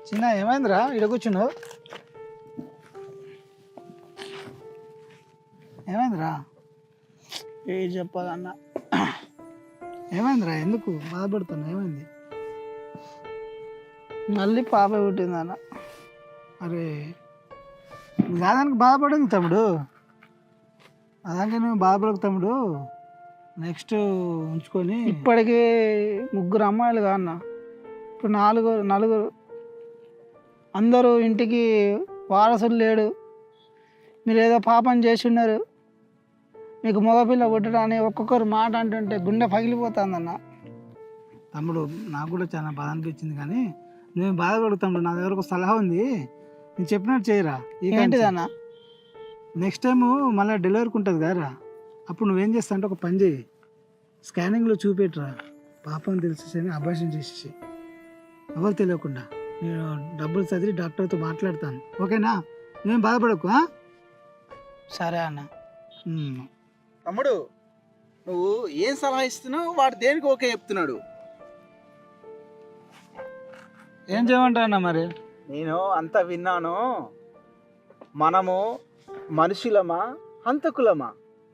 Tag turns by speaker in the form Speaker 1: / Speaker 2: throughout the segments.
Speaker 1: చిన్న ఏమైందిరా ఇడ కూర్చున్నావు? ఏమైందిరా? ఏ చెప్పాలన్నా ఏమైందిరా? ఎందుకు బాధపడుతున్నా? ఏమైంది? మళ్ళీ పాప పుట్టిందన్న. అరే దానికి బాధపడింది తమ్ముడు, అదానికి నువ్వు బాధపడకు తమ్ముడు. నెక్స్ట్ ఉంచుకొని ఇప్పటికీ 3 అమ్మాయిలు కాన్న, ఇప్పుడు నలుగురు అందరూ ఇంటికి వారసులు లేడు. మీరు ఏదో పాపం చేసి ఉన్నారు, మీకు మగపిల్ల పుట్టడాన్ని ఒక్కొక్కరు మాట అంటుంటే గుండె పగిలిపోతుందన్న. తమ్ముడు నాకు కూడా చాలా బాధ అనిపించింది, కానీ నువ్వు బాధపడు తమ్ముడు. నా దగ్గర ఒక సలహా ఉంది, నేను చెప్పినట్టు చేయరా. ఏంటిదన్న? నెక్స్ట్ టైము మళ్ళీ డెలివరీకి ఉంటుంది కదరా, అప్పుడు నువ్వేం చేస్తా అంటే ఒక పని చేయి, స్కానింగ్లో చూపెట్టురా. పాపం తెలిసేసి అబార్షన్ చేసేసి ఎవరు తెలియకుండా నేను డబ్బులు చదివి డాక్టర్తో మాట్లాడతాను, ఓకేనా? నువ్వేం బాధపడకు. సరే అన్న.
Speaker 2: తమ్ముడు నువ్వు ఏం సలహా ఇస్తున్నావు, వాడు దేనికి ఓకే చెప్తున్నాడు?
Speaker 1: ఏం చేయమంటావు అన్న మరి?
Speaker 2: నేను అంతా విన్నాను. మనము మనుషులమా హంతకులమా?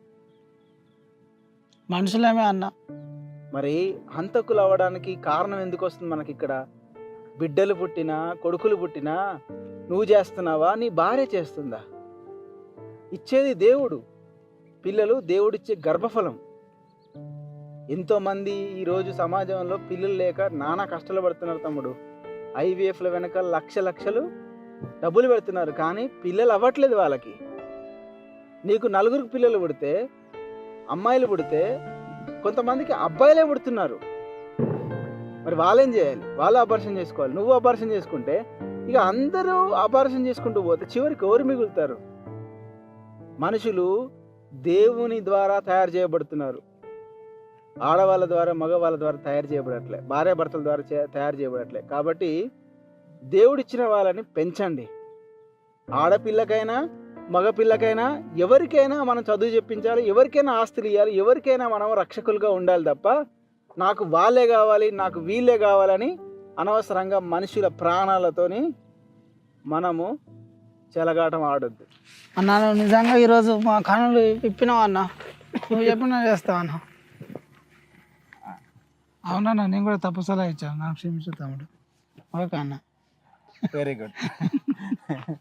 Speaker 1: మనుషులేమే అన్న.
Speaker 2: మరి హంతకులు అవ్వడానికి కారణం ఎందుకు వస్తుంది మనకి? ఇక్కడ బిడ్డలు పుట్టినా కొడుకులు పుట్టినా నువ్వు చేస్తున్నావా, నీ భార్య చేస్తుందా? ఇచ్చేది దేవుడు. పిల్లలు దేవుడిచ్చే గర్భఫలం. ఎంతోమంది ఈరోజు సమాజంలో పిల్లలు లేక నానా కష్టాలు పడుతున్నారు తమ్ముడు. ఐవీఎఫ్ల వెనక లక్షలు డబ్బులు పెడుతున్నారు, కానీ పిల్లలు అవ్వట్లేదు వాళ్ళకి. నీకు 4 పిల్లలు పుడితే, అమ్మాయిలు పుడితే, కొంతమందికి అబ్బాయిలే పుడుతున్నారు. మరి వాళ్ళేం చేయాలి? వాళ్ళు అబార్షన్ చేసుకోవాలి. నువ్వు అబార్షన్ చేసుకుంటే ఇక అందరూ అబార్షన్ చేసుకుంటూ పోతే చివరికి ఎవరు మిగులుతారు? మనుషులు దేవుని ద్వారా తయారు చేయబడుతున్నారు, ఆడవాళ్ళ ద్వారా మగవాళ్ళ ద్వారా తయారు చేయబడట్లే, భార్యాభర్తల ద్వారా తయారు చేయబడట్లే. కాబట్టి దేవుడిచ్చిన వాళ్ళని పెంచండి. ఆడపిల్లకైనా మగపిల్లకైనా ఎవరికైనా మనం చదువు చెప్పించాలి, ఎవరికైనా ఆస్తులు ఇవ్వాలి, ఎవరికైనా మనం రక్షకులుగా ఉండాలి తప్ప నాకు వాళ్ళే కావాలి, నాకు వీళ్ళే కావాలని అనవసరంగా మనుషుల ప్రాణాలతోని మనము చెలగాటం ఆడొద్దు.
Speaker 1: అన్న నువ్వు నిజంగా ఈరోజు మా కనులు ఇప్పినావు అన్న, నువ్వు చెప్పినా చేస్తావు అన్న. అవునన్నా, నేను కూడా తప్పు సలహా ఇచ్చాను, నాకు క్షమించు తమ్ముడు. ఓకే అన్న.
Speaker 2: Very good.